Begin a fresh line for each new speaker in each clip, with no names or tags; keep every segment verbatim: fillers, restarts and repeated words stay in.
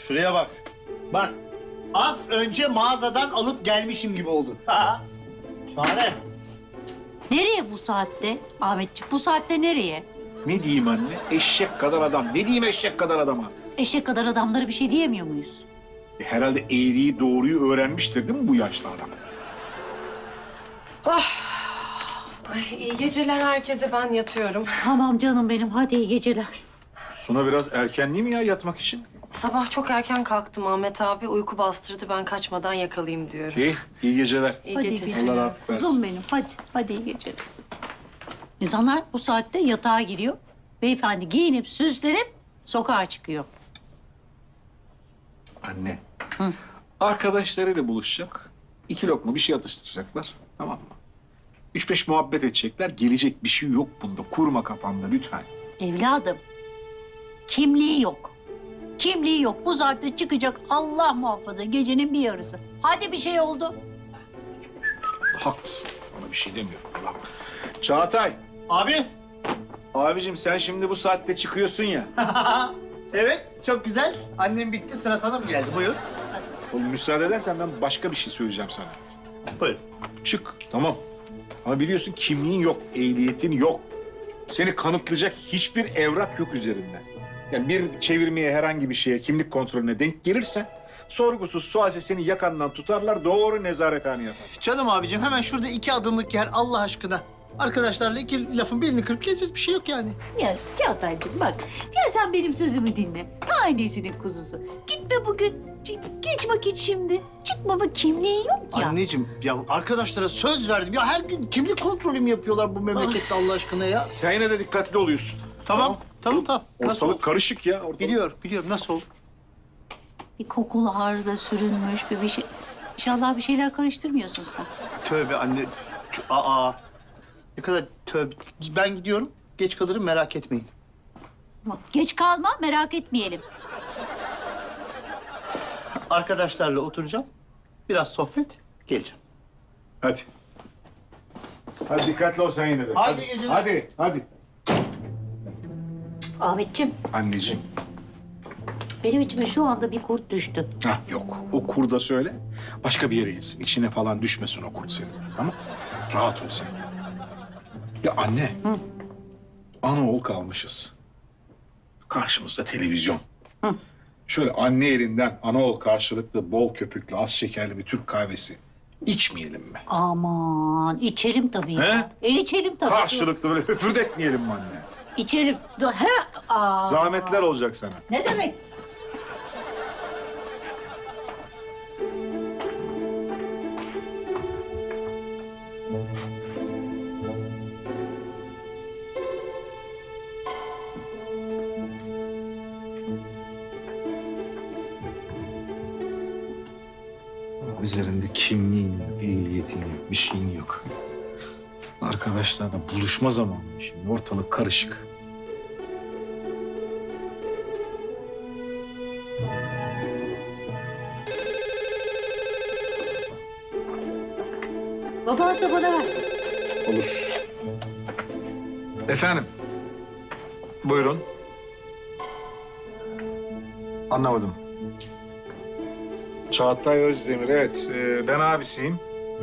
Şuraya bak. Bak. Az önce mağazadan alıp gelmişim gibi oldu. Ha. Şahane.
Nereye bu saatte Ahmetciğim? Bu saatte nereye?
Ne diyeyim anne? Eşek kadar adam. Ne diyeyim eşek kadar adama?
Eşek kadar adamlara bir şey diyemiyor muyuz?
E, herhalde eğriyi doğruyu öğrenmiştir değil mi bu yaşlı adam?
Ay, iyi geceler herkese, ben yatıyorum.
Tamam canım benim, hadi iyi geceler.
Suna biraz erken değil mi ya yatmak için?
Sabah çok erken kalktım Ahmet abi. Uyku bastırdı, ben kaçmadan yakalayayım diyorum.
İyi, iyi geceler.
İyi
Hadi
geceler.
geceler.
Allah rahatlık versin.
Kuzum benim, hadi, hadi iyi geceler. İnsanlar bu saatte yatağa giriyor. Beyefendi giyinip süslenip sokağa çıkıyor.
Anne. Arkadaşlarıyla buluşacak. İki lokma bir şey atıştıracaklar. Tamam mı? Üç beş muhabbet edecekler. Gelecek bir şey yok bunda. Kurma kafanda lütfen.
Evladım, kimliği yok. Kimliği yok. Bu saatte çıkacak, Allah muhafaza, gecenin bir yarısı. Hadi bir şey oldu.
Haklısın. Ona bir şey demiyorum. Allah. Çağatay.
Abi.
Abicim sen şimdi bu saatte çıkıyorsun ya.
Evet, çok güzel. Annem bitti, sıra sana mı geldi? Buyur.
Oğlum müsaade edersen ben başka bir şey söyleyeceğim sana.
Buyur.
Çık. Tamam. Ama biliyorsun kimliğin yok, ehliyetin yok. Seni kanıtlayacak hiçbir evrak yok üzerinde. Yani bir çevirmeye, herhangi bir şeye, kimlik kontrolüne denk gelirsen... ...sorgusuz sualsiz seni yakandan tutarlar, doğru nezarethaneye atar.
Canım abicim, hemen şurada iki adımlık yer Allah aşkına. Arkadaşlarla iki lafın belini kırıp geleceğiz, bir şey yok yani.
Ya Çağatay'cığım bak, ya sen benim sözümü dinle. Annesinin kuzusu. Gitme bugün, Ç- geç vakit şimdi. Çıkma bak, kimliğin yok ya.
Anneciğim, ya arkadaşlara söz verdim. Ya her gün kimlik kontrolü mü yapıyorlar bu memlekette Allah aşkına ya?
Sen yine de dikkatli oluyorsun.
Tamam, tamam, tamam. Nasıl
Ortalık
oldu?
karışık ya. Ortalık.
Biliyorum, biliyorum. Nasıl oldu?
Bir kokulu ağrıda sürünmüş bir bir şey. İnşallah bir şeyler karıştırmıyorsun sen.
Tövbe anne. Tö- Aa. Ne kadar tövbe. Ben gidiyorum. Geç kalırım, merak etmeyin.
Bak, geç kalma, merak etmeyelim.
Arkadaşlarla oturacağım. Biraz sohbet, geleceğim.
Hadi. Hadi dikkatli ol sen yine de.
Hadi geceler.
Hadi, hadi.
Ahmetciğim,
Anneciğim.
benim içime şu anda bir kurt düştü.
Hah yok. O kurda söyle. Başka bir yere gitsin. İçine falan düşmesin o kurt senin. Tamam? Rahat ol sen. Ya anne.
Hı.
Anaoğul kalmışız. Karşımızda televizyon.
Hı.
Şöyle anne elinden anaoğul karşılıklı bol köpüklü az şekerli bir Türk kahvesi içmeyelim mi?
Aman, içelim tabii ya.
He?
E, içelim tabii.
Karşılıklı böyle höpürdetmeyelim mi anne?
İçelim. Dur, He? Aa.
Zahmetler olacak sana.
Ne demek?
Üzerinde kimliğin yok, ehliyetin yok, bir şeyin yok. Arkadaşlarla buluşma zamanı şimdi. Ortalık karışık.
Babansa bana ver.
Olur. Efendim? Buyurun. Anlamadım. Çağatay Özdemir, evet. Ee, ben abisiyim.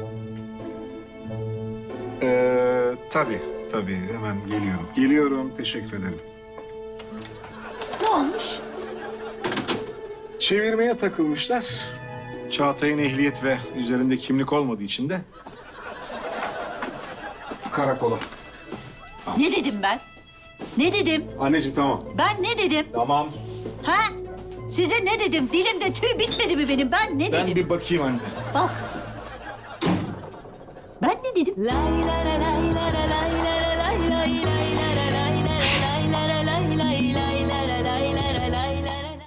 Ee, tabii, tabii. Hemen geliyorum. Geliyorum, teşekkür ederim.
Ne olmuş?
Çevirmeye takılmışlar. Çağatay'ın ehliyet ve üzerinde kimlik olmadığı için de karakola.
Ne dedim ben? Ne dedim?
Anneciğim tamam.
Ben ne dedim?
Tamam.
Ha? Size ne dedim? Dilimde tüy bitmedi mi benim? Ben ne
Ben
dedim?
bir bakayım anne.
Bak. Ben ne dedim?
Lay la la lay la la lay la la lay lay lay la la